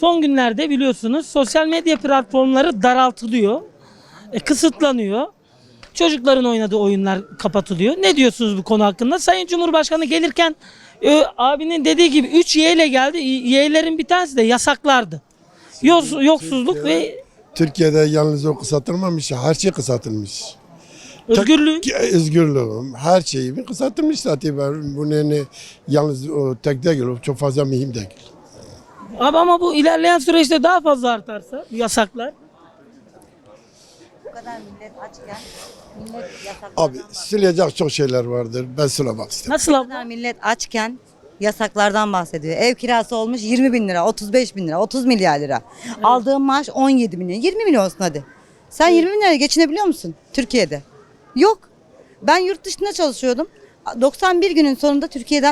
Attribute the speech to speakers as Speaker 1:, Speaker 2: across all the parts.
Speaker 1: son günlerde biliyorsunuz sosyal medya platformları daraltılıyor, kısıtlanıyor. Çocukların oynadığı oyunlar kapatılıyor. Ne diyorsunuz bu konu hakkında? Sayın Cumhurbaşkanı gelirken abinin dediği gibi 3 Y ile geldi. Y'lerin bir tanesi de yasaklardı. Yoksulluk ve
Speaker 2: Türkiye'de yalnız o kısaltılmamış, her şey kısaltılmış.
Speaker 1: özgürlük.
Speaker 2: Özgürlüğüm, her şeyi kısaltılmış zaten. Bunu yani yalnız o tek değil, o çok fazla mühim değil.
Speaker 1: Abi ama bu ilerleyen süreçte daha fazla artarsa yasaklar.
Speaker 3: Bu kadar millet açken millet yasaklardan
Speaker 2: Abi silecek çok şeyler vardır. Ben söylemek istedim.
Speaker 1: Nasıl
Speaker 3: Bu
Speaker 1: abla?
Speaker 3: kadar millet açken yasaklardan bahsediyor. Ev kirası olmuş 20 bin lira, 35 bin lira, 30 milyar lira. Aldığım maaş 17 milyon, 20 milyon olsun hadi. Sen 20 bin liraya geçinebiliyor musun Türkiye'de? Yok. Ben yurt dışında çalışıyordum. 91 günün sonunda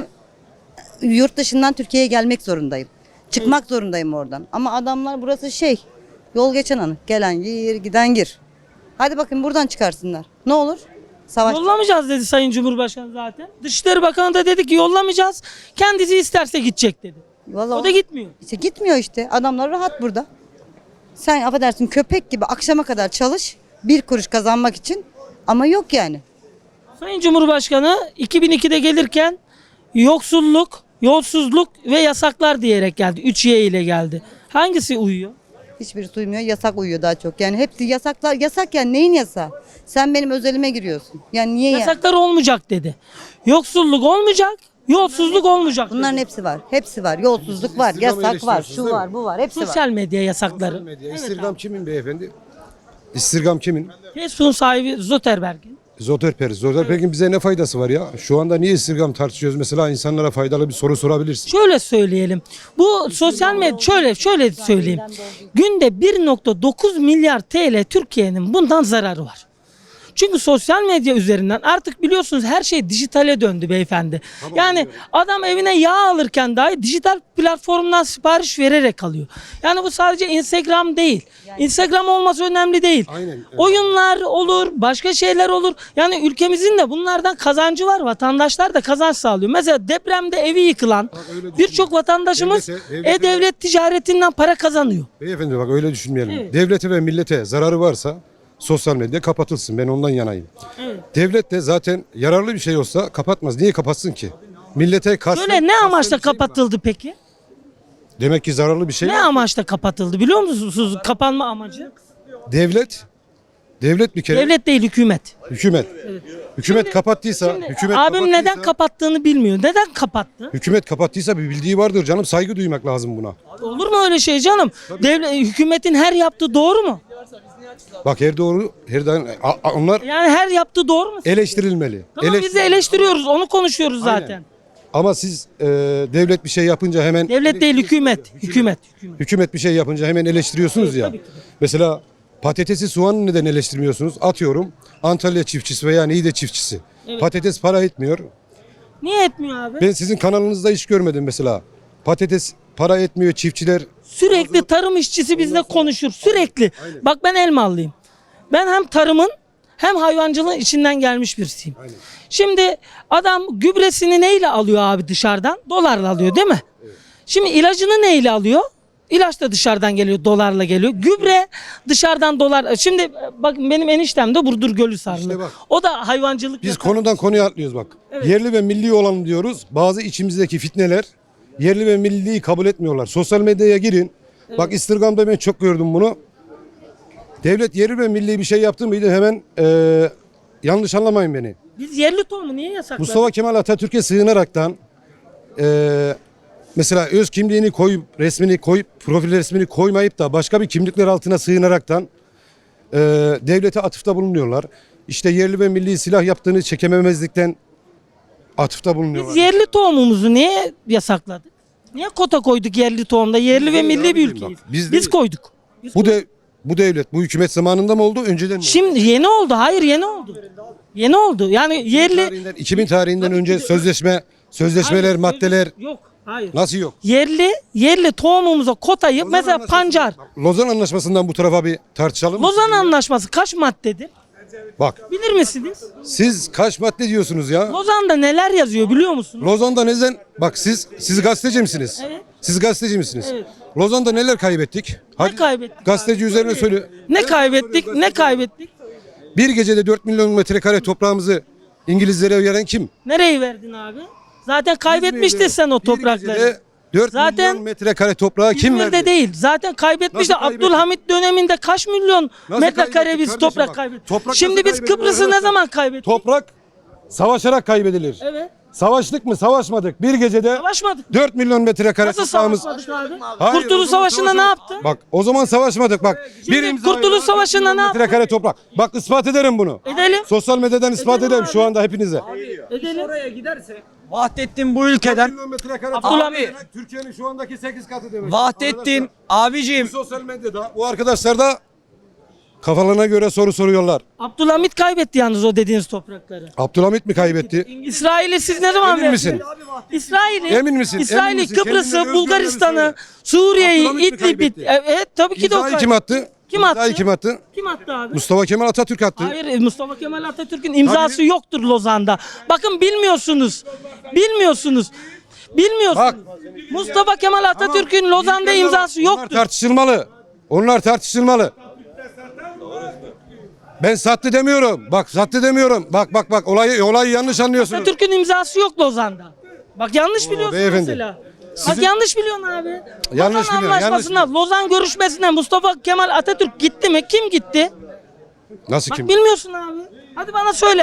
Speaker 3: yurt dışından Türkiye'ye gelmek zorundayım. Çıkmak zorundayım oradan. Ama adamlar burası yol geçen anı. Gelen gir, giden gir. Hadi bakın buradan çıkarsınlar. Ne olur? Savaş.
Speaker 1: Yollamayacağız dedi Sayın Cumhurbaşkanı zaten. Dışişleri Bakanı da dedi ki yollamayacağız. Kendisi isterse gidecek dedi.
Speaker 3: Vallahi
Speaker 1: O da gitmiyor.
Speaker 3: İşte gitmiyor işte. Adamlar rahat burada. Sen affedersin köpek gibi akşama kadar çalış. Bir kuruş kazanmak için. Ama yok yani.
Speaker 1: Sayın Cumhurbaşkanı 2002'de gelirken yoksulluk, yolsuzluk ve yasaklar diyerek geldi. 3Y ile geldi. Hangisi uyuyor?
Speaker 3: Hiçbirisi uymuyor. Yasak uyuyor daha çok. Yani hepsi yasaklar. Yasak yani neyin yasağı? Sen benim özelime giriyorsun. Yani niye yani?
Speaker 1: Yasaklar olmayacak dedi. Yoksulluk olmayacak, yolsuzluk olmayacak
Speaker 3: Bunların
Speaker 1: dedi.
Speaker 3: hepsi var. Hepsi var. Yolsuzluk var.
Speaker 4: İstikramı
Speaker 3: Yasak var.
Speaker 4: eleştiriyorsunuz
Speaker 3: Şu
Speaker 4: değil
Speaker 3: var.
Speaker 4: mi?
Speaker 3: Bu var. Hepsi var.
Speaker 1: Sosyal medya yasakları.
Speaker 4: Medya. İstirgam kimin beyefendi? İstirgam kimin?
Speaker 1: Facebook'un sahibi Zuckerberg'in.
Speaker 4: Zuckerberg'in bize ne faydası var ya? Şu anda niye istirgam tartışıyoruz? Mesela insanlara faydalı bir soru sorabilirsin.
Speaker 1: Şöyle söyleyelim. Bu sosyal medya şöyle söyleyeyim. Günde 1,9 milyar TL Türkiye'nin bundan zararı var. Çünkü sosyal medya üzerinden artık biliyorsunuz her şey dijitale döndü beyefendi. Yani adam evine yağ alırken dahi dijital platformdan sipariş vererek alıyor. Yani bu sadece Instagram değil. Instagram olması önemli değil.
Speaker 4: Aynen, evet.
Speaker 1: Oyunlar olur, başka şeyler olur. Yani ülkemizin de bunlardan kazancı var. Vatandaşlar da kazanç sağlıyor. Mesela depremde evi yıkılan
Speaker 4: öyle
Speaker 1: birçok vatandaşımız e-devlet ticaretinden para kazanıyor.
Speaker 4: Beyefendi bak öyle düşünmeyelim.
Speaker 1: Evet.
Speaker 4: Devlete ve millete zararı varsa sosyal medya kapatılsın. Ben ondan yanayım.
Speaker 1: Evet.
Speaker 4: Devlet de zaten yararlı bir şey olsa kapatmaz. Niye kapatsın ki? Millete karşı...
Speaker 1: Böyle ne amaçla kapatıldı peki?
Speaker 4: Demek ki zararlı bir şey
Speaker 1: Ne
Speaker 4: var.
Speaker 1: amaçla kapatıldı biliyor musunuz? Kapanma amacı.
Speaker 4: Devlet bir kere
Speaker 1: Devlet değil, hükümet.
Speaker 4: hükümet kapattıysa
Speaker 1: Abim neden kapattığını bilmiyor. Neden kapattı?
Speaker 4: hükümet kapattıysa bir bildiği vardır canım, saygı duymak lazım buna.
Speaker 1: Olur mu öyle şey canım? Hükümetin her yaptığı doğru mu?
Speaker 4: Bak her doğru onlar
Speaker 1: Yani her yaptığı doğru mu?
Speaker 4: eleştirilmeli.
Speaker 1: Tamam biz de eleştiriyoruz, onu konuşuyoruz
Speaker 4: Aynen.
Speaker 1: zaten.
Speaker 4: Ama siz devlet bir şey yapınca hemen
Speaker 1: Devlet değil, hükümet.
Speaker 4: hükümet bir şey yapınca hemen eleştiriyorsunuz ya. Mesela patatesi, soğanı neden eleştirmiyorsunuz? Atıyorum Antalya çiftçisi veya Niğde çiftçisi. Patates para etmiyor.
Speaker 1: Niye etmiyor abi?
Speaker 4: Ben sizin kanalınızda hiç görmedim mesela. Patates para etmiyor, çiftçiler.
Speaker 1: Sürekli tarım işçisi bizle konuşur. Sürekli. Bak ben Elmalıyım. Ben hem tarımın hem hayvancılığın içinden gelmiş birisiyim. Şimdi adam gübresini neyle alıyor abi dışarıdan? Dolarla alıyor değil mi? Şimdi ilacını neyle alıyor? İlaç da dışarıdan geliyor, dolarla geliyor. Gübre dışarıdan dolar. Şimdi bakın benim eniştem de Burdur Gölüsarlı.
Speaker 4: İşte bak.
Speaker 1: O da hayvancılık.
Speaker 4: Biz konudan konuya atlıyoruz bak. Yerli ve milli olalım diyoruz. Bazı içimizdeki fitneler yerli ve milliyi kabul etmiyorlar. Sosyal medyaya girin. Bak İstirgam'da ben çok gördüm bunu. Devlet yerli ve milli bir şey yaptı mıydı hemen yanlış anlamayın beni.
Speaker 1: Biz yerli tohumu niye yasakladık?
Speaker 4: Mustafa Kemal Atatürk'e sığınaraktan mesela öz kimliğini koyup resmini koyup profil resmini koymayıp da başka bir kimlikler altına sığınaraktan devlete atıfta bulunuyorlar. İşte yerli ve milli silah yaptığını çekememezlikten atıfta bulunuyorlar.
Speaker 1: Biz yerli tohumumuzu niye yasakladık? Niye kota koyduk yerli tohumda? Yerli ve milli bir ülkeyiz. Biz koyduk.
Speaker 4: Bu devlet, bu hükümet zamanında mı oldu, önceden mi?
Speaker 1: Şimdi yeni oldu. Hayır yeni oldu. Yeni oldu. Yani yerli
Speaker 4: 2000 tarihinden önce sözleşmeler,
Speaker 1: Hayır,
Speaker 4: maddeler
Speaker 1: yok. Hayır.
Speaker 4: nasıl yok?
Speaker 1: Yerli tohumumuza kotayı mesela pancar.
Speaker 4: Lozan Anlaşması'ndan bu tarafa bir tartışalım mı?
Speaker 1: Lozan Anlaşması kaç maddedir?
Speaker 4: Bak
Speaker 1: Bilir misiniz?
Speaker 4: siz kaç madde diyorsunuz ya?
Speaker 1: Lozan'da neler yazıyor biliyor musunuz?
Speaker 4: Lozan'da neden? Bak siz gazeteci misiniz?
Speaker 1: Evet.
Speaker 4: Siz gazeteci misiniz?
Speaker 1: Evet.
Speaker 4: Lozan'da neler kaybettik? Hadi
Speaker 1: kaybettik
Speaker 4: gazeteci üzerine söyle.
Speaker 1: Ne kaybettik? Ne kaybettik?
Speaker 4: Bir gecede 4 milyon metrekare toprağımızı İngilizlere veren kim?
Speaker 1: Nereyi verdin abi? Zaten kaybetmiştin sen o
Speaker 4: Bir gecede
Speaker 1: toprakları.
Speaker 4: 4
Speaker 1: Zaten
Speaker 4: milyon metrekare toprağı kim
Speaker 1: İzmir'de
Speaker 4: verdi?
Speaker 1: değil. Zaten kaybetmişti.
Speaker 4: Nasıl kaybetti?
Speaker 1: Abdülhamit döneminde kaç milyon
Speaker 4: Nasıl
Speaker 1: metrekare
Speaker 4: kaybetti
Speaker 1: biz
Speaker 4: kardeşim
Speaker 1: toprak
Speaker 4: bak?
Speaker 1: kaybettik.
Speaker 4: Toprak
Speaker 1: Şimdi
Speaker 4: nasıl
Speaker 1: biz
Speaker 4: kaybedilir
Speaker 1: Kıbrıs'ı ne
Speaker 4: arkadaşlar?
Speaker 1: zaman kaybettik?
Speaker 4: Toprak savaşarak kaybedilir.
Speaker 1: Evet.
Speaker 4: Savaştık mı? Savaşmadık. Bir gecede
Speaker 1: Savaşmadık.
Speaker 4: 4 milyon metrekare
Speaker 1: Nasıl
Speaker 4: toprağımız.
Speaker 1: savaşmadık abi?
Speaker 4: Hayır, o
Speaker 1: Kurtuluş
Speaker 4: zaman
Speaker 1: Savaşı'nda ne
Speaker 4: savaşmadık.
Speaker 1: yaptı?
Speaker 4: Bak o zaman savaşmadık bak.
Speaker 1: Şimdi
Speaker 4: imza
Speaker 1: Kurtuluş
Speaker 4: ile
Speaker 1: Savaşı'nda
Speaker 4: 4 milyon
Speaker 1: ne yaptı?
Speaker 4: metrekare toprak. Bak ispat ederim bunu.
Speaker 1: Edelim.
Speaker 4: Sosyal medyadan ispat
Speaker 1: Edelim
Speaker 4: ederim
Speaker 1: abi.
Speaker 4: şu anda hepinize.
Speaker 1: Edelim.
Speaker 5: Oraya giderse Vahdettin bu ülkeden
Speaker 1: Abdülhamit.
Speaker 4: Türkiye'nin şu andaki 8 katı demek.
Speaker 5: Vahdettin abicim
Speaker 4: Sosyal medyada bu arkadaşlar da kafalarına göre soru soruyorlar.
Speaker 1: Abdülhamit kaybetti yalnız o dediğiniz toprakları.
Speaker 4: Abdülhamit mi kaybetti?
Speaker 1: İsrail'i siz ne zaman
Speaker 4: Emin
Speaker 1: verdiniz?
Speaker 4: misin?
Speaker 1: İsrail'i,
Speaker 4: Emin misin?
Speaker 1: İsrail'i,
Speaker 4: Emin misin?
Speaker 1: Kıbrıs'ı,
Speaker 4: Kendine
Speaker 1: Bulgaristan'ı,
Speaker 4: özgürlüğünü
Speaker 1: Suriye'yi,
Speaker 4: Abdülhamit mi
Speaker 1: İdlib'i.
Speaker 4: kaybetti?
Speaker 1: Evet tabii ki de o
Speaker 4: İmzayı kim attı?
Speaker 1: Kim attı?
Speaker 4: İmzayı kim attı?
Speaker 1: Kim attı abi?
Speaker 4: Mustafa Kemal Atatürk attı.
Speaker 1: Hayır Mustafa Kemal Atatürk'ün imzası
Speaker 4: Tabii.
Speaker 1: yoktur Lozan'da. Bakın bilmiyorsunuz. Bilmiyorsunuz. Bilmiyorsunuz. Mustafa Kemal Atatürk'ün Lozan'da imzası
Speaker 4: Onlar
Speaker 1: yoktur.
Speaker 4: tartışılmalı. Onlar tartışılmalı. Ben sattı demiyorum. Bak sattı demiyorum. Bak olayı yanlış anlıyorsunuz.
Speaker 1: Atatürk'ün imzası yok Lozan'da. Bak yanlış biliyorsun
Speaker 4: beyefendi.
Speaker 1: mesela.
Speaker 4: Sizin-
Speaker 1: Bak yanlış biliyorsun abi.
Speaker 4: Yanlış
Speaker 1: Lozan
Speaker 4: biliyor, yanlış
Speaker 1: Anlaşması'na, Lozan görüşmesine Mustafa Kemal Atatürk gitti mi? Kim gitti?
Speaker 4: Nasıl
Speaker 1: Bak
Speaker 4: kim?
Speaker 1: bilmiyorsun abi. Hadi bana söyle.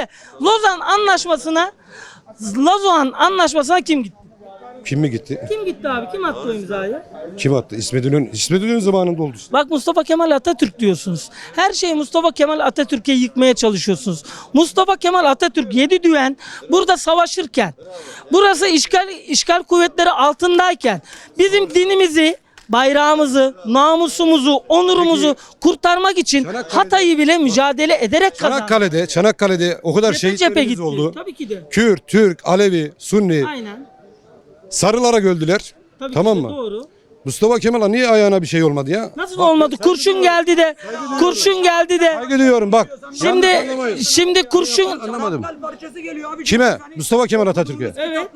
Speaker 1: Lozan Anlaşması'na kim gitti?
Speaker 4: Kim mi gitti?
Speaker 1: Kim gitti abi? Kim attı o imzayı?
Speaker 4: Kim attı? İsmet İnönü zamanında oldu işte.
Speaker 1: Bak Mustafa Kemal Atatürk diyorsunuz. Her şeyi Mustafa Kemal Atatürk'e yıkmaya çalışıyorsunuz. Mustafa Kemal Atatürk 7 düven burada savaşırken, burası işgal kuvvetleri altındayken bizim dinimizi, bayrağımızı, namusumuzu, onurumuzu kurtarmak için
Speaker 4: Çanakkale'de-
Speaker 1: Hatay'ı bile mücadele ederek kazandı.
Speaker 4: Çanakkale'de o kadar
Speaker 1: Cephe
Speaker 4: şehitlerimiz
Speaker 1: gitti.
Speaker 4: oldu.
Speaker 1: Tabii ki de.
Speaker 4: Kürt, Türk, Alevi, Sunni,
Speaker 1: Aynen.
Speaker 4: sarılara öldüler.
Speaker 1: Tabii
Speaker 4: Tamam
Speaker 1: ki de
Speaker 4: mı?
Speaker 1: doğru.
Speaker 4: Mustafa Kemal'a niye ayağına bir şey olmadı ya?
Speaker 1: Nasıl olmadı? Kurşun geldi de. Kurşun geldi de.
Speaker 4: Saygı duyuyorum bak.
Speaker 1: Şimdi kurşun.
Speaker 4: Anlamadım.
Speaker 5: parçası geliyor abi.
Speaker 4: Kime? Mustafa Kemal Atatürk'e.
Speaker 1: Evet.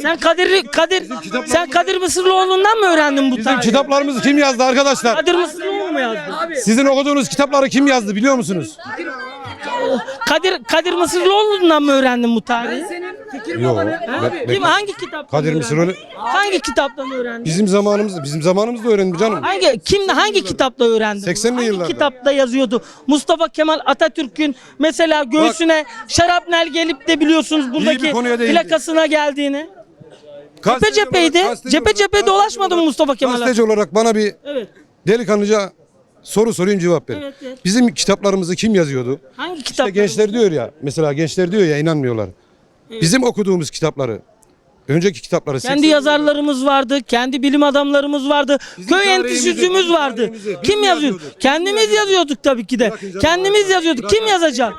Speaker 1: Sen Kadir Mısırlıoğlu'ndan mı öğrendin bu
Speaker 4: Bizim
Speaker 1: tarihi?
Speaker 4: kitaplarımızı kim yazdı arkadaşlar?
Speaker 1: Kadir Mısırlıoğlu mu yazdı?
Speaker 4: Sizin okuduğunuz kitapları kim yazdı biliyor musunuz?
Speaker 1: Kadir Mısırlıoğlu'ndan mı öğrendin bu tarihi?
Speaker 4: Yok.
Speaker 1: Kim hangi kitaptan
Speaker 4: Kadir
Speaker 1: öğrendin?
Speaker 4: Mısırlıoğlu
Speaker 1: Hangi kitaptan öğrendin?
Speaker 4: bizim zamanımızda öğrendim canım.
Speaker 1: Hangi kitapta öğrendin?
Speaker 4: 80'li
Speaker 1: Hangi
Speaker 4: yıllarda.
Speaker 1: kitapta yazıyordu? Mustafa Kemal Atatürk'ün mesela göğsüne şarapnel gelip de biliyorsunuz buradaki
Speaker 4: konuya değindi.
Speaker 1: plakasına geldiğini.
Speaker 4: Gazeteci
Speaker 1: cepheydi.
Speaker 4: olarak- gazeteci
Speaker 1: Cephe
Speaker 4: olarak-
Speaker 1: dolaşmadı mı Mustafa Kemal
Speaker 4: Gazeteci olarak bana bir
Speaker 1: Evet.
Speaker 4: delikanlıca soru sorayım cevap verin.
Speaker 1: Evet, evet.
Speaker 4: Bizim kitaplarımızı kim yazıyordu?
Speaker 1: Hangi
Speaker 4: İşte
Speaker 1: kitap?
Speaker 4: gençler diyor ya, mesela gençler diyor ya inanmıyorlar. Bizim okuduğumuz kitapları, önceki kitapları.
Speaker 1: Kendi
Speaker 4: 80'li
Speaker 1: yazarlarımız vardı, kendi bilim adamlarımız vardı, köy
Speaker 4: tarihimizi,
Speaker 1: enstitüsümüz
Speaker 4: bizim
Speaker 1: vardı.
Speaker 4: tarihimizi biz
Speaker 1: Kim
Speaker 4: mi
Speaker 1: yazıyordu?
Speaker 4: yazıyorduk?
Speaker 1: Kendimiz yazıyorduk tabii ki de.
Speaker 4: Bırakın canım,
Speaker 1: Kendimiz
Speaker 4: bırakın.
Speaker 1: yazıyorduk. Kim yazacak?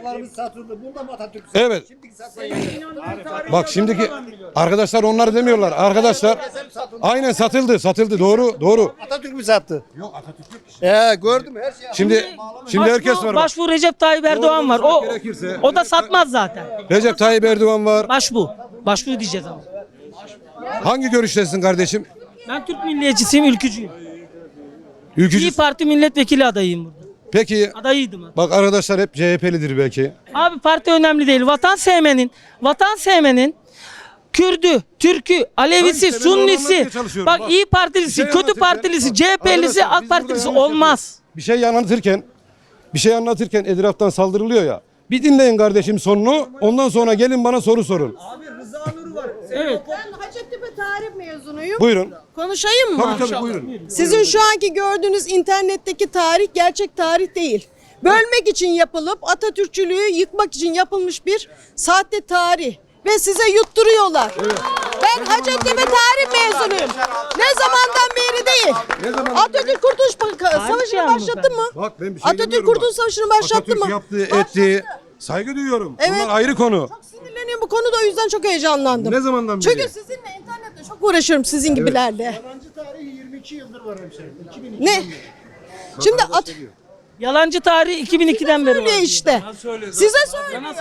Speaker 4: Evet. Bak şimdiki arkadaşlar onlar demiyorlar. Arkadaşlar aynen satıldı. Doğru.
Speaker 6: Atatürk mü sattı? Yok Atatürk yok. Gördüm her şey.
Speaker 4: Şimdi herkes var. Bak.
Speaker 1: Başbu Recep Tayyip Erdoğan var. O da satmaz zaten.
Speaker 4: Recep Tayyip Erdoğan var.
Speaker 1: Başbu diyeceğiz ama.
Speaker 4: Hangi görüştesin kardeşim?
Speaker 1: Ben Türk milliyetçisiyim, ülkücüyüm. İyi
Speaker 4: Ülkücü.
Speaker 1: Parti milletvekili adayıyım burada.
Speaker 4: Peki
Speaker 1: Adayıydım. hatta.
Speaker 4: bak arkadaşlar hep CHP'lidir belki.
Speaker 1: Abi parti önemli değil. Vatan sevmenin Kürdü, Türk'ü, Alevisi,
Speaker 4: Ben işte ben onu
Speaker 1: Sunnisi,
Speaker 4: anlatmaya çalışıyorum.
Speaker 1: bak
Speaker 4: Bak,
Speaker 1: iyi
Speaker 4: bir
Speaker 1: Partilisi,
Speaker 4: şey
Speaker 1: kötü
Speaker 4: anlatırken-
Speaker 1: Partilisi,
Speaker 4: bak,
Speaker 1: CHP'lisi,
Speaker 4: arkadaşlar,
Speaker 1: AK
Speaker 4: biz
Speaker 1: Partilisi
Speaker 4: burada yanlış
Speaker 1: olmaz.
Speaker 4: Bir şey anlatırken etraftan saldırılıyor ya. Bir dinleyin kardeşim sonunu. Ondan sonra gelin bana soru sorun.
Speaker 1: Evet.
Speaker 7: Ben Hacettepe tarih mezunuyum.
Speaker 4: Buyurun.
Speaker 7: Konuşayım mı?
Speaker 4: Tabii buyurun.
Speaker 7: Sizin şu anki gördüğünüz internetteki tarih gerçek tarih değil. Bölmek için yapılıp Atatürkçülüğü yıkmak için yapılmış bir sahte tarih. Ve size yutturuyorlar. Ben Hacettepe tarih mezunuyum. Ne zamandan beri değil. Atatürk Kurtuluş Savaşı'nı
Speaker 1: yalnız
Speaker 7: başlattı mı?
Speaker 4: Bak ben bir şey
Speaker 7: Atatürk
Speaker 4: demiyorum
Speaker 7: Kurtuluş
Speaker 4: bak.
Speaker 7: Savaşı'nı başlattı mı?
Speaker 4: Atatürk yaptı, etti. Saygı duyuyorum.
Speaker 7: Evet.
Speaker 4: Bunlar ayrı konu.
Speaker 7: Çok sinirleniyorum bu konuda, o yüzden çok heyecanlandım.
Speaker 4: Ne zamandan beri?
Speaker 7: Çünkü sizinle internette çok uğraşıyorum, sizin gibilerle.
Speaker 6: Yabancı tarihi 22 yıldır var hemşehrim. 2002
Speaker 7: Ne? Şimdi
Speaker 1: Yalancı tarih 2002'den beri var.
Speaker 7: Öyle işte. Size söylüyorum.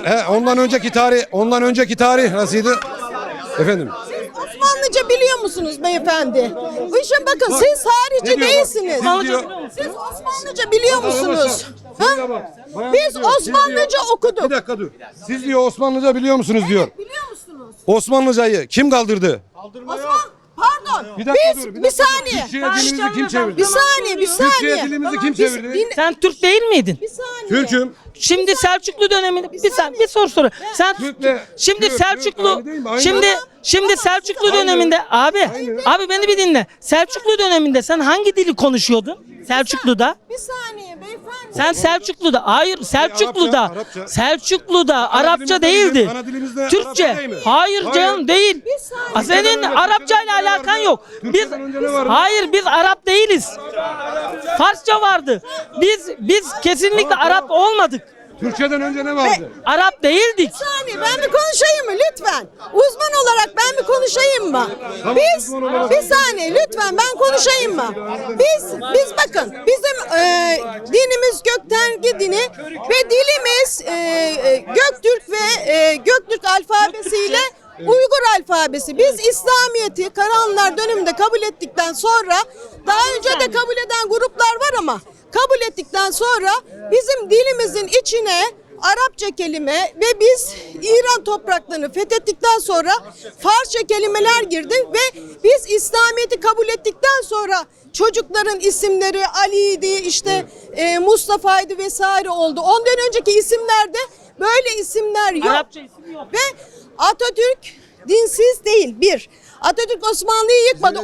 Speaker 4: Ondan önceki tarih nasıldı? Efendim.
Speaker 7: Osmanlıca biliyor musunuz beyefendi? Bu işe bakın siz harici
Speaker 4: Ne diyor bak?
Speaker 7: değilsiniz.
Speaker 4: Siz diyor-
Speaker 7: Siz Osmanlıca biliyor musunuz?
Speaker 4: Şuraya
Speaker 7: Ha?
Speaker 4: bak. Bayan
Speaker 7: Biz
Speaker 4: diyor, siz
Speaker 7: Osmanlıca
Speaker 4: diyor-
Speaker 7: okuduk.
Speaker 4: Bir dakika dur. Siz diyor Osmanlıca biliyor musunuz diyor.
Speaker 7: Biliyor musunuz?
Speaker 4: Osmanlıcayı kim kaldırdı?
Speaker 7: Pardon.
Speaker 4: Bir dakika
Speaker 7: Biz
Speaker 4: dur,
Speaker 7: bir saniye.
Speaker 4: Türkçe'ye dilimizi kim çevirdi?
Speaker 7: Bir saniye, bir saniye.
Speaker 4: Türkçe'ye dilimizi kim çevirdi?
Speaker 1: Sen Türk değil miydin?
Speaker 7: Bir saniye.
Speaker 4: Türk'üm.
Speaker 1: Şimdi Selçuklu döneminde bir soru. Sen
Speaker 4: Türk'le-
Speaker 1: şimdi
Speaker 4: Türk,
Speaker 1: Selçuklu
Speaker 4: aynı değil mi? Aynı.
Speaker 1: şimdi Selçuklu döneminde abi beni bir dinle. Selçuklu döneminde sen hangi dili konuşuyordun? Selçuklu'da.
Speaker 7: Bir saniye beyefendi.
Speaker 1: Sen Selçuklu'da hayır Selçuklu'da
Speaker 4: Arapça.
Speaker 1: Selçuklu'da
Speaker 4: Ana
Speaker 1: Arapça
Speaker 4: dilimizde
Speaker 1: değildi.
Speaker 4: değil mi? Ana dilimizde
Speaker 1: Türkçe.
Speaker 4: Arapça değil mi?
Speaker 1: Hayır
Speaker 4: Hayır.
Speaker 1: canım değil.
Speaker 7: saniye.
Speaker 1: Senin
Speaker 4: Türkçeden önce
Speaker 1: Arapçayla
Speaker 4: ne
Speaker 1: alakan
Speaker 4: vardı?
Speaker 1: yok. Biz
Speaker 4: Türkçeden önce ne vardı?
Speaker 1: hayır biz Arap değiliz. Farsça vardı. Biz kesinlikle Arap olmadık.
Speaker 4: Türkçeden önce ne vardı?
Speaker 1: Arap değildik.
Speaker 7: Bir saniye ben bir konuşayım mı lütfen? Uzman olarak ben bir konuşayım mı? Biz
Speaker 4: uzman olarak-
Speaker 7: bir saniye lütfen ben konuşayım mı? Biz bakın bizim dinimiz Göktengi dini ve dilimiz Göktürk ve Göktürk alfabesiyle Uygur alfabesi. Biz İslamiyet'i Karahanlılar döneminde kabul ettikten sonra daha önce de kabul eden gruplar var ama kabul ettikten sonra bizim dilimizin içine Arapça kelime ve biz İran topraklarını fethettikten sonra Farsça kelimeler girdi ve biz İslamiyet'i kabul ettikten sonra çocukların isimleri Ali'ydi işte Mustafa'ydı vesaire oldu. Ondan önceki isimlerde böyle isimler yok.
Speaker 1: Arapça isim yok.
Speaker 7: Ve Atatürk dinsiz değil. Bir, Atatürk Osmanlı'yı yıkmadı.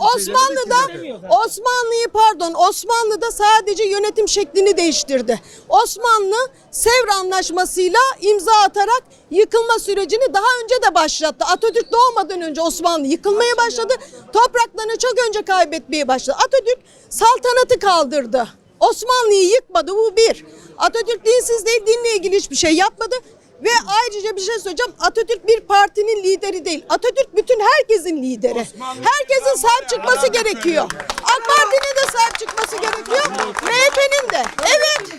Speaker 7: Osmanlı'da sadece yönetim şeklini değiştirdi. Osmanlı Sevr Anlaşması'yla imza atarak yıkılma sürecini daha önce de başlattı. Atatürk doğmadan önce Osmanlı yıkılmaya başladı. Topraklarını çok önce kaybetmeye başladı. Atatürk saltanatı kaldırdı. Osmanlı'yı yıkmadı, bu bir. Atatürk dinsiz değil, dinle ilgili hiçbir şey yapmadı. Ve ayrıca bir şey söyleyeceğim. Atatürk bir partinin lideri değil. Atatürk bütün herkesin lideri. Herkesin sahip çıkması gerekiyor. AK Parti'nin de sahip çıkması gerekiyor. MHP'nin de. Evet.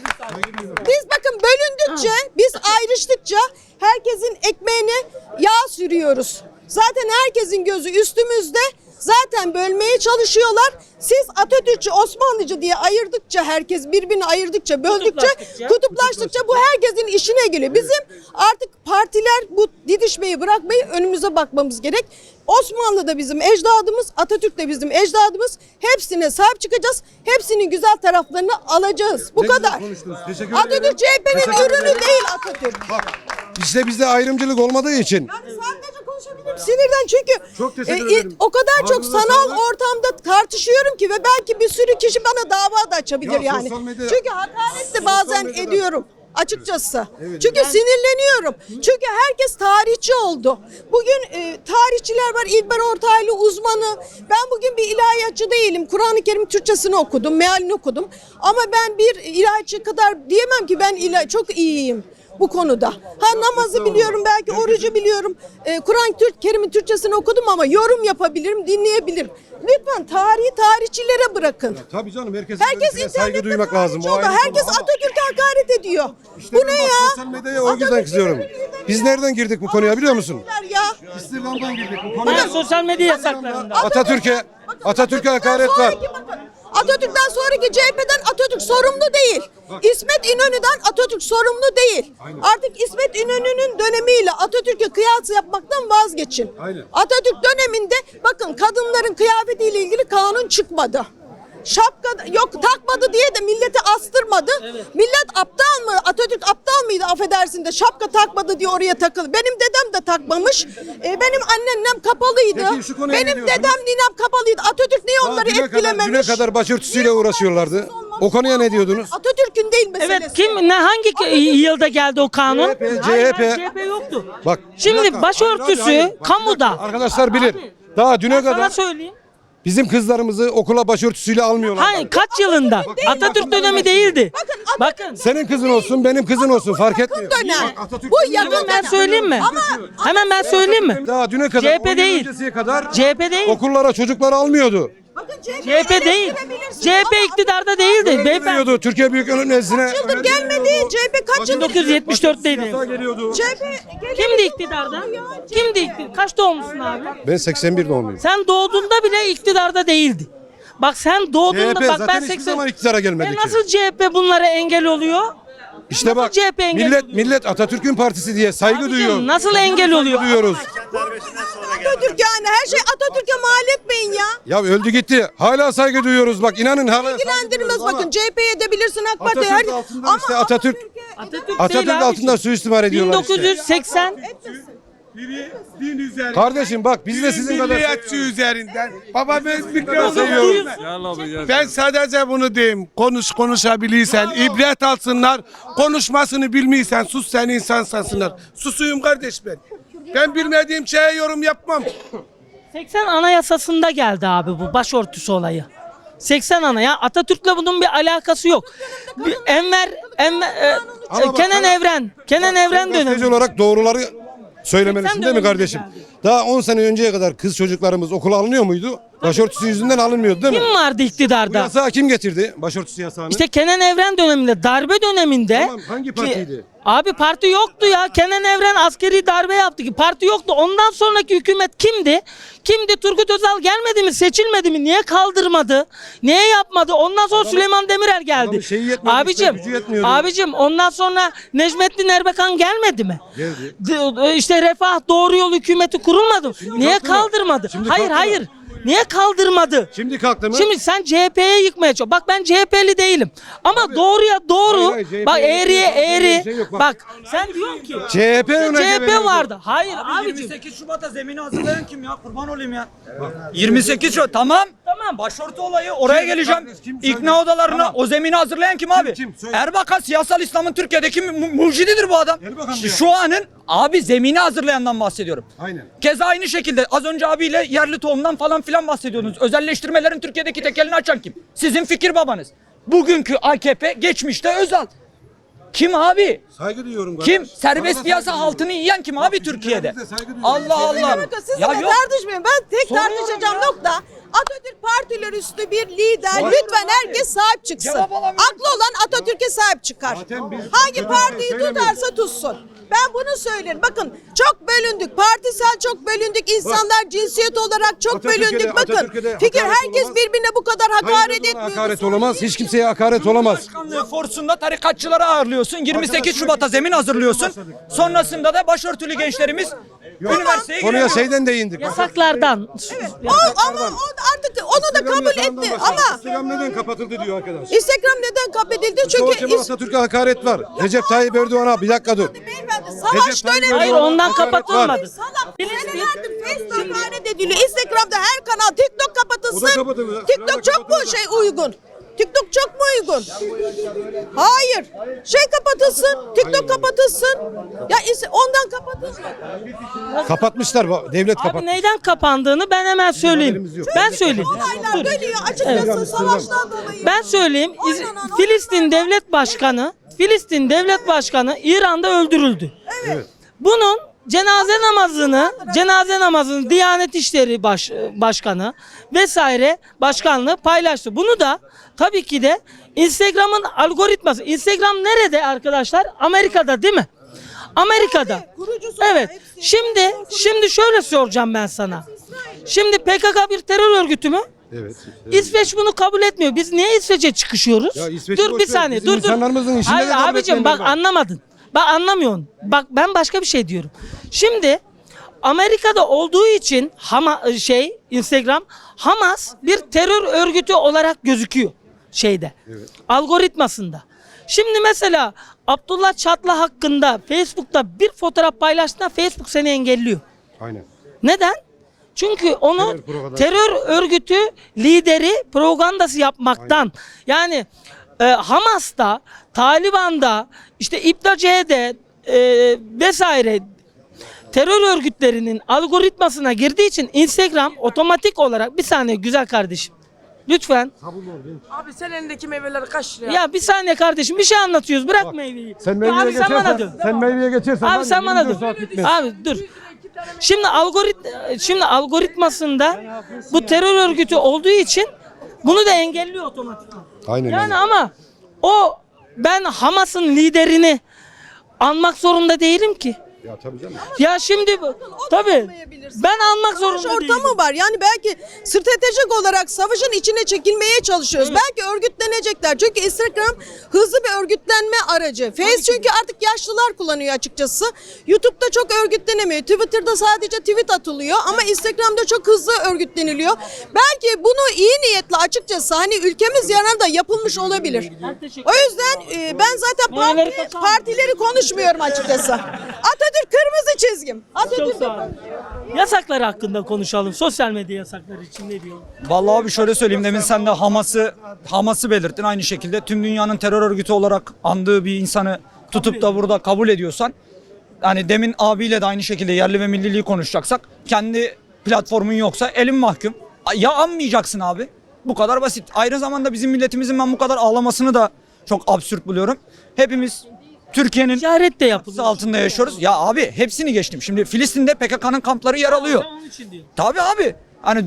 Speaker 7: Biz bakın bölündükçe, biz ayrıştıkça herkesin ekmeğine yağ sürüyoruz. Zaten herkesin gözü üstümüzde. Zaten bölmeye çalışıyorlar. Siz Atatürkçü, Osmanlıcı diye ayırdıkça, herkes birbirini ayırdıkça, böldükçe, kutuplaştıkça bu herkesin işine geliyor. Bizim artık partiler bu didişmeyi bırakmayı önümüze bakmamız gerek. Osmanlı da bizim ecdadımız, Atatürk de bizim ecdadımız. Hepsine sahip çıkacağız. Hepsinin güzel taraflarını alacağız. Bu
Speaker 4: Ne güzel
Speaker 7: kadar.
Speaker 4: konuştunuz. Teşekkür
Speaker 7: Atatürk
Speaker 4: ederim.
Speaker 7: CHP'nin
Speaker 4: Teşekkür
Speaker 7: ürünü
Speaker 4: ederim.
Speaker 7: değil Atatürk.
Speaker 4: Bak işte bizde ayrımcılık olmadığı için.
Speaker 7: Yani sadece konuşabilirim sinirden çünkü
Speaker 4: Çok teşekkür ederim.
Speaker 7: o kadar çok
Speaker 4: Ağzınıza
Speaker 7: sanal
Speaker 4: sağlık.
Speaker 7: ortamda tartışıyorum ki ve belki bir sürü kişi bana dava da açabilir
Speaker 4: Ya
Speaker 7: yani.
Speaker 4: sosyal medya-
Speaker 7: Çünkü hakaret de bazen
Speaker 4: medyada-
Speaker 7: ediyorum açıkçası. Çünkü sinirleniyorum. Çünkü herkes tarihçi oldu. Bugün tarihçiler var. İlber Ortaylı uzmanı. Ben bugün bir ilahiyatçı değilim. Kur'an-ı Kerim Türkçesini okudum, mealini okudum. Ama ben bir ilahiyatçı kadar diyemem ki ben çok iyiyim bu konuda. Ha namazı biliyorum, belki orucu biliyorum. Kur'an-ı Kerim'in Türkçesini okudum ama yorum yapabilirim, dinleyebilirim. Lütfen tarihi tarihçilere bırakın.
Speaker 4: Tabii canım herkes
Speaker 7: Herkes
Speaker 4: saygı duymak lazım.
Speaker 7: Oldu. Herkes Atatürk'e hakaret ediyor.
Speaker 4: İşte
Speaker 7: Bu
Speaker 4: ben
Speaker 7: ne
Speaker 4: bak,
Speaker 7: ya?
Speaker 4: sosyal medyaya o yüzden kızıyorum. Biz nereden girdik bu konuya biliyor musun?
Speaker 7: Ya.
Speaker 4: İstihdamdan girdik bu
Speaker 1: Ben
Speaker 4: konuya.
Speaker 1: sosyal medya yasaklarında.
Speaker 4: Atatürk'e hakaret var.
Speaker 7: Atatürk'ten sonraki CHP'den Atatürk sorumlu değil. İsmet İnönü'den Atatürk sorumlu değil. Artık İsmet İnönü'nün dönemiyle Atatürk'e kıyas yapmaktan vazgeçin.
Speaker 4: Aynen.
Speaker 7: Atatürk döneminde bakın kadınların kıyafetiyle ilgili kanun çıkmadı. Şapka yok takmadı diye de milleti astırmadı. Millet aptal mı? Atatürk aptal mıydı affedersin de şapka takmadı diye oraya takıldı. Benim dedem de takmamış. Benim anneannem kapalıydı.
Speaker 4: Peki şu konuya ne
Speaker 7: Benim
Speaker 4: diyorsunuz?
Speaker 7: dedem ninem kapalıydı. Atatürk niye onları etkilememiş?
Speaker 4: Düne kadar başörtüsüyle uğraşıyorlardı. O konuya ne diyordunuz?
Speaker 7: Hangi meselesi?
Speaker 1: Evet hangi yılda geldi o kanun?
Speaker 4: CHP.
Speaker 1: Hayır, CHP yoktu.
Speaker 4: Bak.
Speaker 1: Şimdi
Speaker 4: bir dakika.
Speaker 1: başörtüsü
Speaker 4: Hayır, bak, bir
Speaker 1: kamuda.
Speaker 4: dakika. Arkadaşlar bilir.
Speaker 1: Abi,
Speaker 4: Daha düne
Speaker 1: Ben sana
Speaker 4: kadar
Speaker 1: söyleyeyim.
Speaker 4: bizim kızlarımızı okula başörtüsüyle almıyorlar.
Speaker 1: Hayır kaç yılında? Atatürk dönemi değildi. Bakın.
Speaker 4: Senin kızın olsun, benim kızın olsun fark etmiyor.
Speaker 7: dönem.
Speaker 4: Atatürk
Speaker 7: Bu
Speaker 4: dönemi-
Speaker 7: yakın
Speaker 1: Hemen ben
Speaker 7: dönem.
Speaker 1: söyleyeyim mi? Hemen ben söyleyeyim mi?
Speaker 4: Daha düne kadar,
Speaker 1: CHP
Speaker 4: 10 yıl
Speaker 1: değil.
Speaker 4: öncesiye kadar
Speaker 1: CHP değil.
Speaker 4: okullara çocukları almıyordu.
Speaker 7: Bakın
Speaker 1: CHP değil.
Speaker 7: eleştirebilirsiniz
Speaker 1: CHP
Speaker 7: ama
Speaker 1: iktidarda değildi. beyefendi.
Speaker 4: veriyordu Türkiye Büyük Millet Meclisi'ne.
Speaker 7: Yıldır gelmedi. CHP kaç yıldır?
Speaker 1: 1974'teydi.
Speaker 4: Yasa geliyordu.
Speaker 7: CHP
Speaker 1: Kimdi iktidarda? Kimdi iktidar? Kaç doğumlusun abi?
Speaker 4: Ben 81 doğumluyum.
Speaker 1: Sen doğduğunda bile iktidarda değildi. Bak sen doğduğunda
Speaker 4: CHP
Speaker 1: bak
Speaker 4: zaten
Speaker 1: ben
Speaker 4: hiçbir
Speaker 1: 80
Speaker 4: zaman iktidara gelmedi ki.
Speaker 1: nasıl CHP bunlara engel oluyor?
Speaker 4: İşte bak
Speaker 1: CHP engel
Speaker 4: millet Atatürk'ün partisi diye saygı duyuyor.
Speaker 1: Abicim, nasıl engel oluyor?
Speaker 4: Duyuyoruz.
Speaker 7: Atatürk yani her şey Atatürk'e mal etmeyin ya.
Speaker 4: Ya öldü gitti. Hala saygı duyuyoruz bak inanın hala.
Speaker 7: İlgilendirmez bakın CHP'ye edebilirsin AK Parti'ye.
Speaker 4: Atatürk altında işte Atatürk
Speaker 1: Atatürk değil abi.
Speaker 4: altında suistimal ediyorlar işte.
Speaker 1: 1980
Speaker 6: Biri din üzerinden.
Speaker 4: Kardeşim bak biz de sizin kadar
Speaker 6: Milliyetçi üzerinden. Baba ben
Speaker 4: seviyorum.
Speaker 6: Ben sadece bunu diyeyim. Konuşabilirsen, ibret alsınlar. Konuşmasını bilmiyorsan sus sen insan sansınlar. Susuyum kardeş ben. Ben bilmediğim şeye yorum yapmam.
Speaker 1: 80 Anayasası'nda geldi abi bu başörtüsü olayı. 80 ya Atatürk'le bunun bir alakası yok. Kenan Evren
Speaker 4: Gazeteci
Speaker 1: dönemi.
Speaker 4: olarak doğruları söylemelisin
Speaker 1: 80
Speaker 4: değil mi kardeşim?
Speaker 1: döneminde
Speaker 4: Daha 10 sene önceye kadar kız çocuklarımız okula alınıyor muydu? Başörtüsü yüzünden alınmıyordu değil mi?
Speaker 1: Kim vardı
Speaker 4: Bu
Speaker 1: iktidarda?
Speaker 4: yasağı kim getirdi? Başörtüsü yasağını.
Speaker 1: İşte Kenan Evren döneminde, darbe döneminde.
Speaker 4: Tamam, hangi partiydi?
Speaker 1: Abi parti yoktu ya. Kenan Evren askeri darbe yaptı ki parti yoktu. Ondan sonraki hükümet kimdi? Kimdi? Turgut Özal gelmedi mi? Seçilmedi mi? Niye kaldırmadı? Niye yapmadı? Ondan sonra Süleyman Demirel geldi.
Speaker 4: adamın şeyi yetmedi işte, gücü yetmiyordu.
Speaker 1: Abicim ondan sonra Necmettin Erbakan gelmedi mi?
Speaker 4: Geldi.
Speaker 1: İşte Refah Doğru Yol hükümeti kurulmadı mı? Niye
Speaker 4: kalktı mı?
Speaker 1: kaldırmadı?
Speaker 4: Şimdi
Speaker 1: Hayır
Speaker 4: kalktı mı?
Speaker 1: hayır. Niye kaldırmadı?
Speaker 4: Şimdi kalktı mı?
Speaker 1: Şimdi sen CHP'ye yıkmaya çalış. Bak ben CHP'li değilim. Ama doğruya doğru.
Speaker 4: Hayır, hayır,
Speaker 1: bak
Speaker 4: CHP'ye
Speaker 1: eğriye
Speaker 4: yıkmak diye
Speaker 1: eğri.
Speaker 4: bir şey yok, bak.
Speaker 1: Bak sen diyorsun ki
Speaker 4: CHP
Speaker 1: CHP vardı. Hayır abicim.
Speaker 5: 28 Şubat'a zemini hazırlayan kim ya? Kurban olayım ya. 28 Şubat tamam.
Speaker 1: Tamam.
Speaker 5: Başörtü olayı oraya geleceğim.
Speaker 4: Kim?
Speaker 5: İkna odalarına
Speaker 4: Tamam.
Speaker 5: o zemini hazırlayan kim abi?
Speaker 4: Kim? Söyle.
Speaker 5: Erbakan siyasal İslam'ın Türkiye'deki mucididir bu adam.
Speaker 4: Erbakan diyor.
Speaker 5: Şu anın abi zemini hazırlayandan bahsediyorum.
Speaker 4: Aynen.
Speaker 5: Keza aynı şekilde az önce abiyle yerli tohumdan falan filan bahsediyordunuz. Özelleştirmelerin Türkiye'deki tekelini açan kim? Sizin fikir babanız. Bugünkü AKP, geçmişte Özal. Kim abi?
Speaker 4: Saygı duyuyorum.
Speaker 5: Kim?
Speaker 4: kardeş.
Speaker 5: Serbest
Speaker 4: Sana da
Speaker 5: piyasa
Speaker 4: saygı
Speaker 5: altını yiyen kim abi Türkiye'de?
Speaker 4: bize saygı duyuyoruz.
Speaker 5: Allah Allah.
Speaker 7: Bakın sizinle
Speaker 5: Ya yok.
Speaker 7: tartışmayın. Ben tek
Speaker 5: Soruyorum
Speaker 7: tartışacağım
Speaker 5: ya.
Speaker 7: nokta Atatürk partiler üstü bir lider. Lütfen herkes sahip çıksın.
Speaker 5: Cevap alamıyorum.
Speaker 7: Aklı olan Atatürk'e sahip çıkar.
Speaker 4: Zaten biz-
Speaker 7: Hangi partiyi
Speaker 4: söylemiyoruz.
Speaker 7: tutarsa tutsun. Ben bunu söylerim. Bakın çok bölündük. Partisel çok bölündük. İnsanlar cinsiyet olarak çok
Speaker 4: Atatürk'e
Speaker 7: bölündük.
Speaker 4: de-
Speaker 7: Bakın
Speaker 4: Atatürk'e de
Speaker 7: fikir
Speaker 4: hakaret
Speaker 7: herkes
Speaker 4: olamaz.
Speaker 7: birbirine bu kadar hakaret
Speaker 4: Hayır,
Speaker 7: etmiyor.
Speaker 4: hakaret olamaz. Hiç kimseye hakaret olamaz.
Speaker 5: Başkanlığı forsunda tarikatçıları ağırlıyorsun. 28 Şubat'a zemin hazırlıyorsun. Sonrasında da başörtülü gençlerimiz üniversiteye
Speaker 4: Konuya
Speaker 5: giriyor.
Speaker 4: şeyden değindik.
Speaker 1: Yasaklardan.
Speaker 7: Ama o artık onu da kabul etti. Ama
Speaker 4: Instagram neden kapatıldı diyor arkadaş.
Speaker 7: Instagram neden kapatıldı?
Speaker 4: Mustafa
Speaker 7: Çünkü
Speaker 4: Kemal Atatürk'e hakaret var. Recep Tayyip Erdoğan'a bir dakika dur.
Speaker 7: beyefendi savaş
Speaker 4: Recep Tayyip
Speaker 7: dönemi.
Speaker 1: Hayır
Speaker 4: Erdoğan'a
Speaker 1: ondan
Speaker 4: hakaret var.
Speaker 1: kapatılmadı.
Speaker 7: Salak. Senelerdir Facebook hakaret ediliyor. Instagram'da her kanal. TikTok kapatılsın.
Speaker 4: O da kapatılıyor.
Speaker 7: TikTok çok mu uygun? TikTok çok mu uygun? Hayır. Kapatılsın. TikTok kapatılsın. Ya ondan kapatılsın.
Speaker 4: Kapatmışlar. Devlet
Speaker 1: Abi
Speaker 4: kapatmış.
Speaker 1: neyden kapandığını ben hemen söyleyeyim.
Speaker 4: haberimiz yok.
Speaker 1: Ben söyleyeyim.
Speaker 7: Olaylar
Speaker 1: Dur.
Speaker 7: dönüyor. Açıkçası savaştan dolayı.
Speaker 1: Ben söyleyeyim.
Speaker 7: Oynanan
Speaker 1: Filistin devlet başkanı İran'da öldürüldü. Bunun cenaze namazını Diyanet İşleri Başkanı vesaire başkanlığı paylaştı. Bunu da tabii ki de Instagram'ın algoritması. Instagram nerede arkadaşlar? Amerika'da değil mi? Amerika'da.
Speaker 7: Kurucusu
Speaker 1: Evet.
Speaker 7: hepsi.
Speaker 1: Şimdi şöyle soracağım ben sana. Şimdi PKK bir terör örgütü mü?
Speaker 4: Evet.
Speaker 1: İsveç bunu kabul etmiyor. Biz niye İsveç'e çıkışıyoruz?
Speaker 4: Ya İsveç'i
Speaker 1: Dur
Speaker 4: boş
Speaker 1: bir
Speaker 4: ver.
Speaker 1: saniye.
Speaker 4: Bizim
Speaker 1: Dur.
Speaker 4: insanlarımızın işinde
Speaker 1: Hayır
Speaker 4: de kabul
Speaker 1: abicim bak
Speaker 4: etmeyenler var.
Speaker 1: anlamadın. Bak anlamıyorsun. Bak ben başka bir şey diyorum. Şimdi Amerika'da olduğu için Instagram Hamas bir terör örgütü olarak gözüküyor algoritmasında. Şimdi mesela Abdullah Çatla hakkında Facebook'ta bir fotoğraf paylaştığında Facebook seni engelliyor.
Speaker 4: Aynen.
Speaker 1: Neden? Çünkü onu terör örgütü lideri propagandası yapmaktan yani Hamas'ta, Taliban'da, işte İBDC'de vesaire terör örgütlerinin algoritmasına girdiği için Instagram otomatik olarak bir saniye güzel kardeşim. Lütfen.
Speaker 8: Abi sen elindeki meyveleri kaç liraya?
Speaker 1: Ya bir saniye kardeşim bir şey anlatıyoruz. Bırak meyveyi.
Speaker 4: Sen
Speaker 1: Ya
Speaker 4: meyveye
Speaker 1: abi sen bana dön.
Speaker 4: geçersen, sen meyveye geçersen
Speaker 1: Abi sen bana dur. Abi dur. Şimdi algoritmasında bu terör örgütü olduğu için Bunu da engelliyor otomatik.
Speaker 4: Aynen
Speaker 1: Yani
Speaker 4: öyle.
Speaker 1: ama ben Hamas'ın liderini anmak zorunda değilim ki.
Speaker 4: Ya tabii canım.
Speaker 1: Ya şimdi tabii
Speaker 7: olmayabilirsin.
Speaker 1: ben almak
Speaker 7: Savaş
Speaker 1: zorunda değilim.
Speaker 7: ortamı var. Yani belki stratejik olarak savaşın içine çekilmeye çalışıyoruz. Belki örgütlenecekler. Çünkü Instagram hızlı bir örgütlenme aracı. Face çünkü artık yaşlılar kullanıyor açıkçası. YouTube'da çok örgütlenemiyor. Twitter'da sadece tweet atılıyor ama Instagram'da çok hızlı örgütleniliyor. Belki bunu iyi niyetle açıkçası hani ülkemiz yararına da yapılmış olabilir. O yüzden ben zaten partileri konuşmuyorum açıkçası. Atatürk kırmızı çizgim.
Speaker 1: Çok
Speaker 7: Atatürk
Speaker 1: sağ olun. Yasaklar hakkında konuşalım. Sosyal medya yasakları için ne diyor?
Speaker 5: Vallahi abi şöyle söyleyeyim, demin sen de Hamas'ı belirttin, aynı şekilde tüm dünyanın terör örgütü olarak andığı bir insanı tutup da burada kabul ediyorsan, yani demin abiyle de aynı şekilde yerli ve milliliği konuşacaksak, kendi platformun yoksa elin mahkum. Ya anmayacaksın abi. Bu kadar basit. Aynı zamanda bizim milletimizin ben bu kadar ağlamasını da çok absürt buluyorum. Hepimiz Türkiye'nin
Speaker 1: Ticaret de yapılıyor.
Speaker 5: altında yaşıyoruz. Ya abi hepsini geçtim. Şimdi Filistin'de PKK'nın kampları yer alıyor.
Speaker 1: Onun için diyor.
Speaker 5: Tabii abi. Hani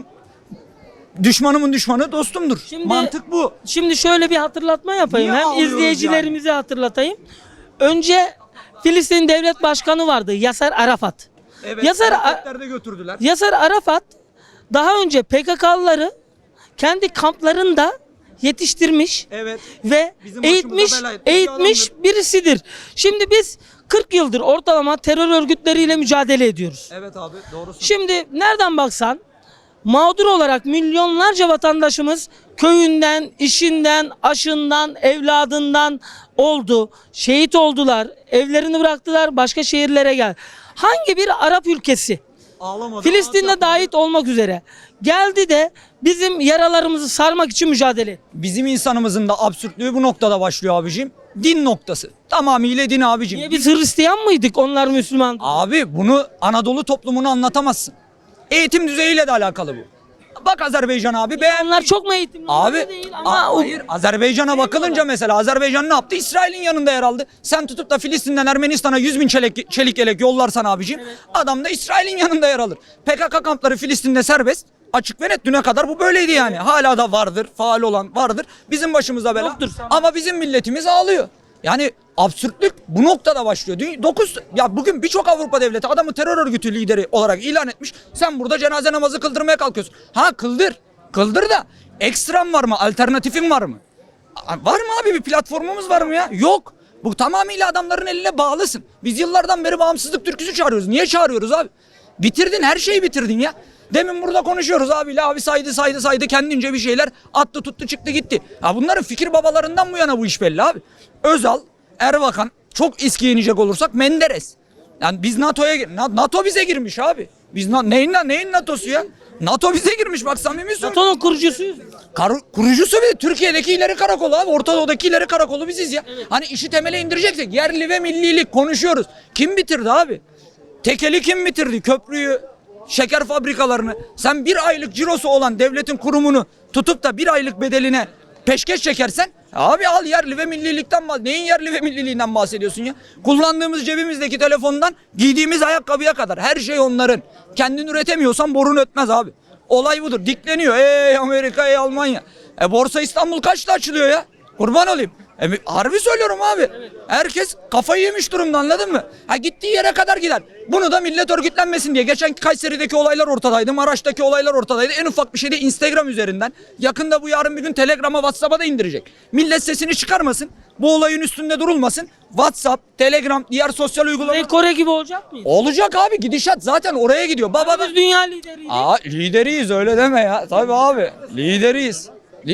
Speaker 5: düşmanımın düşmanı dostumdur.
Speaker 1: Şimdi-
Speaker 5: Mantık bu.
Speaker 1: Şimdi şöyle bir hatırlatma yapayım.
Speaker 5: Niye
Speaker 1: Hem
Speaker 5: ağlıyoruz
Speaker 1: izleyicilerimize hatırlatayım. Önce Filistin Devlet Başkanı vardı Yasser Arafat.
Speaker 5: Evet.
Speaker 1: Yasser,
Speaker 5: götürdüler.
Speaker 1: Yasser Arafat daha önce PKK'lıları kendi kamplarında yetiştirmiş
Speaker 5: Evet.
Speaker 1: ve
Speaker 5: Bizim başımıza bela etmiş bir
Speaker 1: eğitmiş birisidir. Şimdi biz 40 yıldır ortalama terör örgütleriyle mücadele ediyoruz.
Speaker 5: Evet abi doğrusun.
Speaker 1: Şimdi nereden baksan mağdur olarak milyonlarca vatandaşımız köyünden, işinden, aşından, evladından oldu. Şehit oldular. Evlerini bıraktılar, başka şehirlere gel. Hangi bir Arap ülkesi
Speaker 5: Ağlamadı.
Speaker 1: Filistin'de dahil olmak üzere geldi de bizim yaralarımızı sarmak için mücadele etti?
Speaker 5: Bizim insanımızın da absürtlüğü bu noktada başlıyor abicim. Din noktası. Tamamıyla din abicim.
Speaker 1: Niye biz Hristiyan mıydık? Onlar Müslüman.
Speaker 5: Abi bunu Anadolu toplumunu anlatamazsın. Eğitim düzeyiyle de alakalı bu. Bak Azerbaycan abi
Speaker 1: Onlar çok mu eğitimli?
Speaker 5: Abi
Speaker 1: Öyle değil ama
Speaker 5: hayır, Azerbaycan'a bakılınca mesela Azerbaycan ne yaptı? İsrail'in yanında yer aldı. Sen tutup da Filistin'den Ermenistan'a 100.000 çelik yelek yollarsan abicim, adam da İsrail'in yanında yer alır. PKK kampları Filistin'de serbest. Açık ve net, düne kadar bu böyleydi yani. Hala da vardır, faal olan vardır. Bizim başımıza bela.
Speaker 1: Yoktur.
Speaker 5: Ama bizim milletimiz ağlıyor. Yani absürtlük bu noktada başlıyor. Ya bugün birçok Avrupa devleti adamı terör örgütü lideri olarak ilan etmiş. Sen burada cenaze namazı kıldırmaya kalkıyorsun. Ha kıldır. Kıldır da ekstram var mı? Alternatifin var mı? Var mı abi, bir platformumuz var mı ya? Yok. Bu tamamıyla adamların eline bağlısın. Biz yıllardan beri bağımsızlık türküsü çağırıyoruz. Niye çağırıyoruz abi? Bitirdin, her şeyi bitirdin ya. Demin burada konuşuyoruz abiyle, abi saydı kendince bir şeyler attı tuttu çıktı gitti. Ha bunların fikir babalarından bu yana bu iş belli abi. Özal, Erbakan, çok eskiye inecek olursak Menderes. Yani biz NATO bize girmiş abi. Biz neyin NATO'su ya? NATO bize girmiş, bak samimi söylüyorum.
Speaker 1: NATO'nun kurucusuyuz.
Speaker 5: Kurucusu bir de Türkiye'deki ileri karakolu abi. Orta Doğu'daki ileri karakolu biziz ya. Hani işi temele indireceksek yerli ve millilik konuşuyoruz. Kim bitirdi abi? Tekeli kim bitirdi? Köprüyü, şeker fabrikalarını. Sen bir aylık cirosu olan devletin kurumunu tutup da bir aylık bedeline peşkeş çekersen, abi al yerli ve millilikten neyin yerli ve milliliğinden bahsediyorsun ya? Kullandığımız cebimizdeki telefondan giydiğimiz ayakkabıya kadar her şey onların. Kendin üretemiyorsan borun ötmez abi. Olay budur. Dikleniyor. Ey Amerika, ey Almanya. Borsa İstanbul kaçta açılıyor ya? Kurban olayım. Harbi söylüyorum abi. Herkes kafayı yemiş durumda, anladın mı? Ha gittiği yere kadar gider. Bunu da millet örgütlenmesin diye. Geçen Kayseri'deki olaylar ortadaydı. Maraş'taki olaylar ortadaydı. En ufak bir şey de Instagram üzerinden. Yakında bu yarın bir gün Telegram'a, WhatsApp'a da indirecek. Millet sesini çıkarmasın. Bu olayın üstünde durulmasın. WhatsApp, Telegram, diğer sosyal uygulamalar.
Speaker 1: Kore gibi olacak mıyız?
Speaker 5: Olacak abi, gidişat zaten oraya gidiyor.
Speaker 1: Biz dünya lideriydik.
Speaker 5: Lideriyiz, öyle deme ya. Tabii abi, lideriyiz.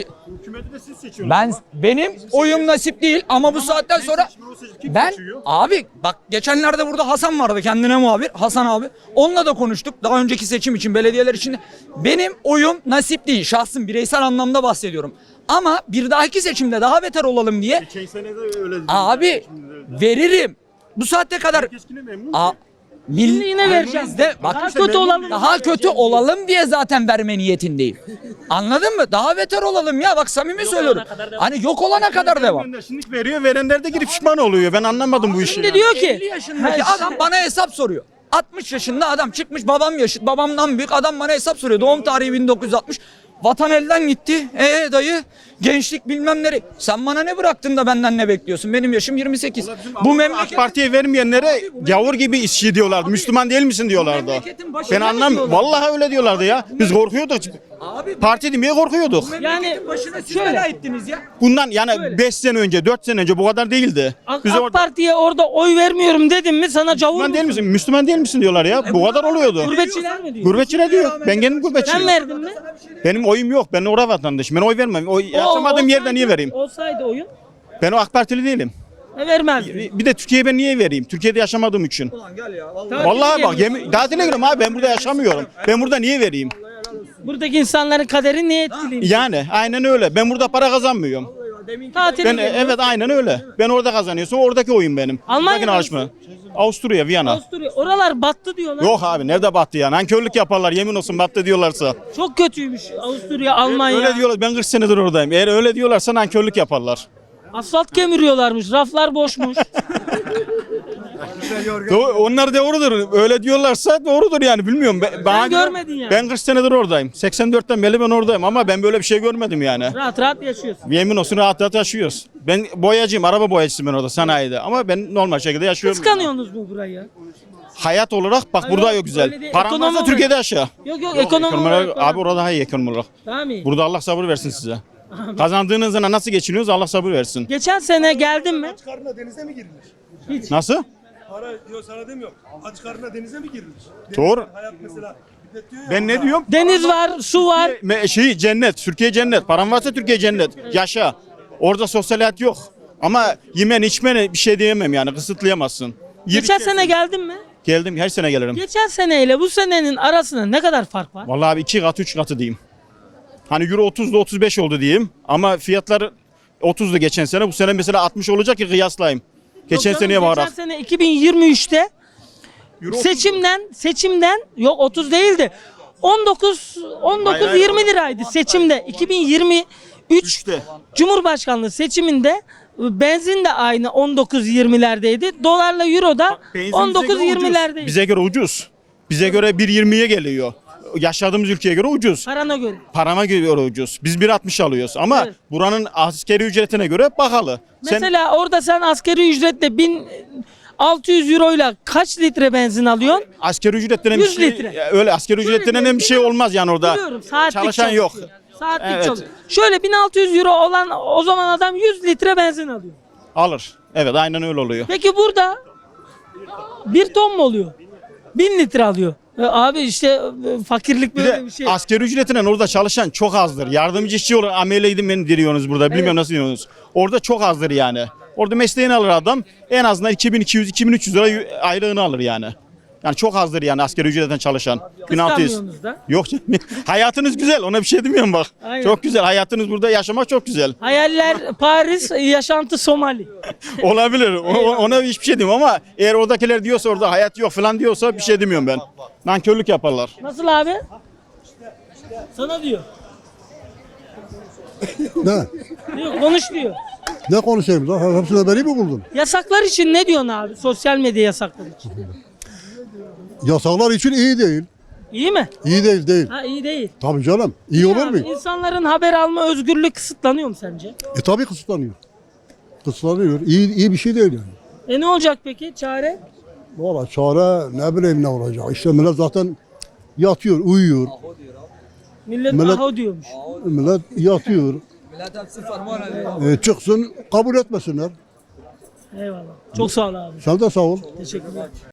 Speaker 5: Benim oyum nasip değil ama bu saatten sonra abi bak, geçenlerde burada Hasan vardı, kendine muhabir Hasan abi. Onunla da konuştuk daha önceki seçim için, belediyeler için. Benim oyum nasip değil, şahsım, bireysel anlamda bahsediyorum. Ama bir dahaki seçimde daha beter olalım diye abi veririm. Bu saatte kadar
Speaker 1: Yine vereceğiz.
Speaker 5: Daha kötü olalım. Daha kötü olalım diye zaten verme niyetindeyim. Anladın mı? Daha beter olalım ya. Bak samimi söylüyorum. Hani yok olana kadar devam.
Speaker 9: Şimdi veriyor, verenler de gidip pişman oluyor. Ben anlamadım bu işi.
Speaker 1: Şimdi diyor ki
Speaker 5: 50 yaşındaki adam bana hesap soruyor. 60 yaşında adam çıkmış, babamdan büyük adam bana hesap soruyor. Doğum tarihi 1960. Vatan elden gitti. Dayı gençlik bilmem nere. Sen bana ne bıraktın da benden ne bekliyorsun? Benim yaşım 28. Bu memleket
Speaker 9: AK Parti'ye vermeyenlere gavur gibi işçi diyorlardı. Müslüman değil misin diyorlardı.
Speaker 5: memleketin başına
Speaker 9: Ben
Speaker 5: mı
Speaker 9: anlam.
Speaker 5: diyorlar?
Speaker 9: Vallahi öyle diyorlardı ya. Biz korkuyorduk.
Speaker 5: Abi
Speaker 9: Parti demeye korkuyorduk.
Speaker 5: yani başına siz
Speaker 1: şöyle.
Speaker 5: bela ettiniz ya.
Speaker 9: Bundan yani
Speaker 1: Şöyle.
Speaker 9: 5 sene önce, 4 sene önce bu kadar değildi. Biz
Speaker 1: AK
Speaker 9: orada
Speaker 1: Parti'ye orada oy vermiyorum dedim mi sana cavur
Speaker 9: Müslüman değil
Speaker 1: musun?
Speaker 9: misin? Müslüman değil misin diyorlar ya. Bu kadar oluyordu.
Speaker 1: Gurbetçiler mi diyor?
Speaker 9: Gurbetçiler diyor. Ben kendim gurbetçiyim.
Speaker 1: Sen verdin mi?
Speaker 9: Benim oyum yok. Ben orada vatandaşım. Ben oy vermem. Yaşamadığım yerde niye vereyim?
Speaker 1: Olsaydı oyun
Speaker 9: Ben o AK Partili değilim.
Speaker 1: vermezdin.
Speaker 9: Bir de Türkiye'ye ben niye vereyim? Türkiye'de yaşamadığım için. Vallahi bak tatile gidiyorum abi, ben burada yaşamıyorum. Ben burada niye vereyim?
Speaker 1: Buradaki insanların kaderi niye etkileyim?
Speaker 9: Yani aynen öyle. Ben burada para kazanmıyorum.
Speaker 1: Tatile
Speaker 9: Ben
Speaker 1: gidiyorum.
Speaker 9: evet aynen öyle. Ben orada kazanıyorsam oradaki oyun benim.
Speaker 1: Almanya
Speaker 9: Buradakine alışma. Avusturya, Viyana.
Speaker 1: Avusturya. Oralar battı diyorlar.
Speaker 9: Yok abi nerede battı ya? Nankörlük yaparlar yemin olsun battı diyorlarsa.
Speaker 1: Çok kötüymüş Avusturya, Almanya.
Speaker 9: Öyle diyorlar, ben 40 senedir oradayım. Eğer öyle diyorlarsa nankörlük yaparlar.
Speaker 1: Asfalt kemiriyorlarmış. Raflar boşmuş.
Speaker 9: Onlar doğrudur. Öyle diyorlarsa doğrudur yani bilmiyorum. Bana göre-
Speaker 1: görmedin yani.
Speaker 9: Ben 40 senedir oradayım. 84'ten beri ben oradayım ama ben böyle bir şey görmedim yani.
Speaker 1: Rahat rahat yaşıyorsun.
Speaker 9: Yemin olsun rahat rahat yaşıyoruz. Ben boyacıyım, araba boyacısıyım ben orada sanayide ama ben normal şekilde yaşıyorum.
Speaker 1: Kıskanıyorsunuz mu burayı?
Speaker 9: Hayat olarak bak
Speaker 1: Hayır,
Speaker 9: burada
Speaker 1: öyle
Speaker 9: yok güzel.
Speaker 1: değil.
Speaker 9: Paran
Speaker 1: Ekonomi
Speaker 9: varsa
Speaker 1: olarak.
Speaker 9: Türkiye'de yaşa.
Speaker 1: Yok ekonomi
Speaker 9: Ekonomi
Speaker 1: olarak.
Speaker 9: abi orada daha iyi ekonomi olarak.
Speaker 1: Daha mı iyi?
Speaker 9: Burada Allah sabır versin size. Kazandığınız zaman nasıl geçiniyoruz Allah sabır versin.
Speaker 1: Geçen sene geldin mi?
Speaker 6: Karnına denize mi girilir?
Speaker 9: Nasıl?
Speaker 6: Para yok sana demiyorum. Aç karnına denize mi girilir?
Speaker 9: Doğru.
Speaker 6: Hayat mesela. Millet diyor ya,
Speaker 9: Ben ne diyorum?
Speaker 1: Deniz var, su var.
Speaker 9: Cennet. Türkiye cennet. Paran varsa Türkiye cennet. Yaşa. Orada sosyal hayat yok. Ama yemen içmene bir şey diyemem yani kısıtlayamazsın.
Speaker 1: Geçen sene geldin mi?
Speaker 9: Geldim her sene gelirim.
Speaker 1: Geçen seneyle bu senenin arasında ne kadar fark var?
Speaker 9: Vallahi abi 2 katı 3 katı diyeyim. Hani euro 30'da 35 oldu diyeyim. Ama fiyatlar 30'du geçen sene. Bu sene mesela 60 olacak ki kıyaslayayım. Geçen
Speaker 1: Yok canım,
Speaker 9: seneye bakarak.
Speaker 1: Geçen sene 2023'te
Speaker 9: Euro
Speaker 1: seçimden yok 30 değildi. 19 20 liraydı seçimde. 2023
Speaker 9: 3'te.
Speaker 1: Cumhurbaşkanlığı seçiminde benzin de aynı 19-20'lerdeydi. Dolarla euro da
Speaker 9: Benzin bize göre ucuz.
Speaker 1: 19-20'lerdeydi.
Speaker 9: Bize göre ucuz. Bize göre 1.20'ye geliyor. Yaşadığımız ülkeye göre ucuz.
Speaker 1: Parana göre.
Speaker 9: Parama göre ucuz. Biz 1.60 alıyoruz ama
Speaker 1: Evet.
Speaker 9: buranın askeri ücretine göre pahalı.
Speaker 1: Mesela orada sen asgari ücretle 1600 euroyla kaç litre benzin alıyorsun?
Speaker 9: Askeri ücret denen bir
Speaker 1: 100
Speaker 9: şey,
Speaker 1: litre.
Speaker 9: öyle askeri ücret denen bir şey olmaz yani orada.
Speaker 1: Biliyorum, saatlik
Speaker 9: Çalışan yok.
Speaker 1: çalışıyor. Saatlik
Speaker 9: Evet.
Speaker 1: çalışıyor. Şöyle 1600 euro olan o zaman adam 100 litre benzin alıyor.
Speaker 9: Alır. Evet aynen öyle oluyor.
Speaker 1: Peki burada 1 ton mu oluyor? 1000 litre alıyor. Abi işte fakirlik
Speaker 9: Bir
Speaker 1: böyle
Speaker 9: de
Speaker 1: bir şey.
Speaker 9: askeri ücretinden orada çalışan çok azdır. Yardımcı işçi olarak ameleydim beni diriyorsunuz burada. Bilmiyorum nasıl diyorsunuz. Orada çok azdır yani. Orada mesleğini alır adam. En azından 2200-2300 lira aylığını alır yani. Yani çok azdır yani asgari ücretten çalışan. 1600.
Speaker 1: Kıskanmıyorsunuz da.
Speaker 9: Yok canım. Hayatınız güzel ona bir şey demiyorum bak.
Speaker 1: Aynen.
Speaker 9: Çok güzel hayatınız burada yaşamak çok güzel.
Speaker 1: Hayaller Paris, yaşantı Somali.
Speaker 9: Olabilir. Ona hiçbir şey demiyorum ama eğer oradakiler diyorsa orada hayat yok falan diyorsa bir şey demiyorum ben. Nankörlük yaparlar.
Speaker 1: Nasıl abi? Sana diyor.
Speaker 10: Ne?
Speaker 1: Diyor, konuş diyor.
Speaker 10: Ne konuşayım lan? Hepsine beni mi buldun?
Speaker 1: Yasaklar için ne diyorsun abi? Sosyal medya yasakları için.
Speaker 10: Yasaklar için iyi değil.
Speaker 1: İyi mi?
Speaker 10: İyi değil.
Speaker 1: Ha iyi değil.
Speaker 10: Tabii canım. İyi olur
Speaker 1: Abi,
Speaker 10: mu?
Speaker 1: İnsanların haber alma özgürlüğü kısıtlanıyor mu sence?
Speaker 10: Tabii kısıtlanıyor. Kısıtlanıyor. İyi bir şey değil yani.
Speaker 1: Ne olacak peki? Çare?
Speaker 10: Valla çare ne bileyim ne olacak. İşte millet zaten yatıyor, uyuyor.
Speaker 1: Millet
Speaker 10: Millet-
Speaker 1: aho diyormuş.
Speaker 10: Millet yatıyor. Çıksın kabul etmesinler.
Speaker 1: Eyvallah. Çok sağ ol abi.
Speaker 10: Sen de sağ ol.
Speaker 1: Teşekkürler.